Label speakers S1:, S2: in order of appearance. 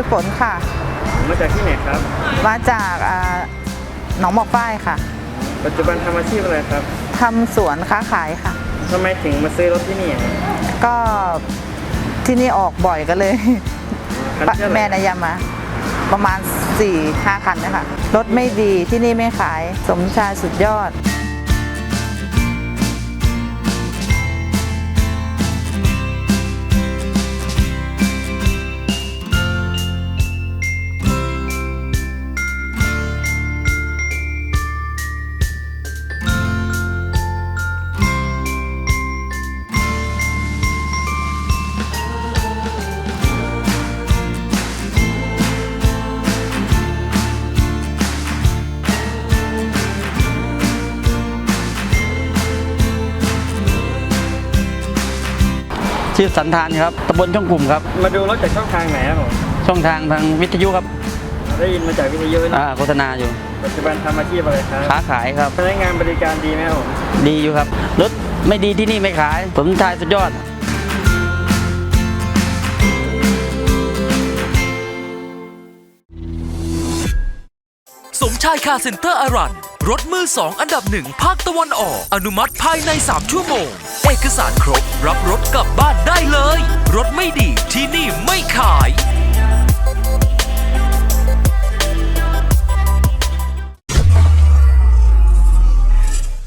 S1: ฝนค่ะ
S2: มาจากที่ไหนครับ
S1: มาจากหนองหมอกฝ้ายค่ะ
S2: ปัจจุบันทำอาชีพอะไรครับ
S1: ทำสวนค้าขายค่ะ
S2: ทำไมถึงมาซื้อรถที่นี่
S1: ก็ที่นี่ออกบ่อยกันเลยแม่นายามาประมาณ 4-5 คันนะคะรถไม่ดีที่นี่ไม่ขายสมชายสุดยอด
S3: ชื่อสันธานครับตำบลช่องกลุ่มครับ
S2: มาดูรถจากช่องทางไหนครับผม
S3: ช่องทางวิทยุครับ
S2: ได้ยินมาจากวิทยุนะ
S3: โฆษณาอยู่
S2: ปัจจุบันทำอาชีพอะไรครับ
S3: ค้าขายครับ
S2: พนักงานบริการดีไหมครับ
S3: ดีอยู่ครับรถไม่ดีที่นี่ไม่ขายสมชายสุดยอด
S4: สมชายคาร์เซ็นเตอร์อารันรถมือ2อันดับ1ภาคตะวันออกอนุมัติภายใน3ชั่วโมงเอกสารครบรับรถกลับบ้านได้เลยรถไม่ดีที่นี่ไม่ขาย